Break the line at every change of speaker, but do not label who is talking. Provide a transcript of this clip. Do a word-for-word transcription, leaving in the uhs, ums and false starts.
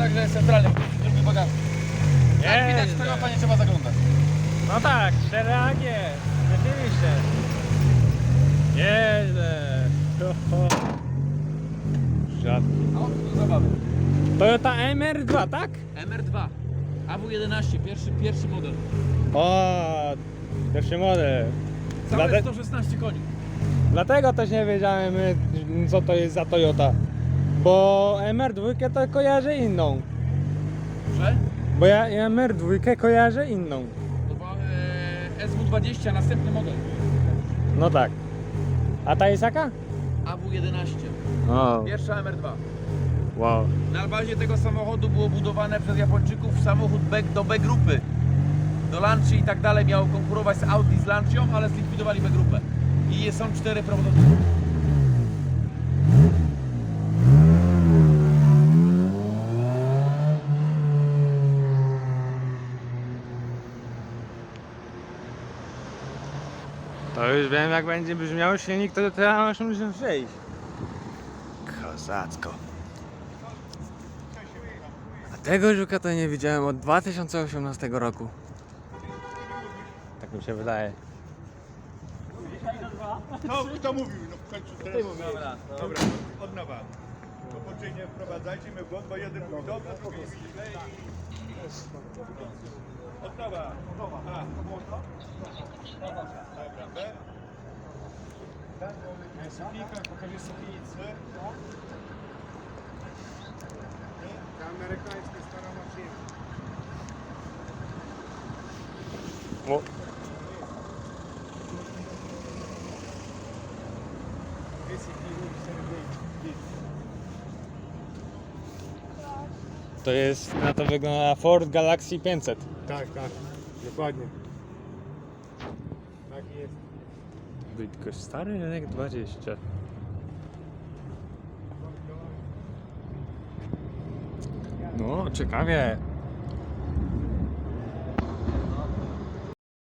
także jest centralny, drugi bagażnik. Jak
Nie,
widać, tego panie trzeba zaglądać.
No tak, cztery A G, rzeczywiście. Nieźle. Oho. Rzadki.
A on tu do zabawy.
Toyota M R dwa, tak?
M R dwa, A W jedenaście, pierwszy, pierwszy model.
O, pierwszy model.
Całe
Dlate-
sto szesnaście koni.
Dlatego też nie wiedziałem, y, co to jest za Toyota. Bo M R dwa to kojarzę inną.
Że?
Bo ja M R dwa kojarzę inną.
To była e, S W dwadzieścia, następny model.
No tak. A ta jest jaka?
A W jedenaście,
O,
pierwsza M R dwa.
wow.
Na bazie tego samochodu było budowane przez Japończyków samochód B do B grupy. Do Lancia i tak dalej miało konkurować z Audi z Lancią, ale zlikwidowali B grupę. I są cztery prototypy.
To już wiem, jak będzie brzmiał silnik, to teraz muszę przejść. Kozacko. A tego żuka to nie widziałem od dwa tysiące osiemnastego roku. Tak mi się wydaje.
Kto, kto mówił? No w końcu teraz.
Dobra,
Dobra, od nowa. To później nie wprowadzajcie mnie w błąd, bo jeden mówi dobrze, drugi mówi źle i... Od nowa. A. Dobra, B. Sofijka, pokażę Sofijce.
Ta amerykańska stara maszyna.
O. To jest, na to wygląda Ford Galaxy pięćset.
Tak, tak, dokładnie. Tak jest.
Tylko stary rynek dwadzieścia. No, ciekawie.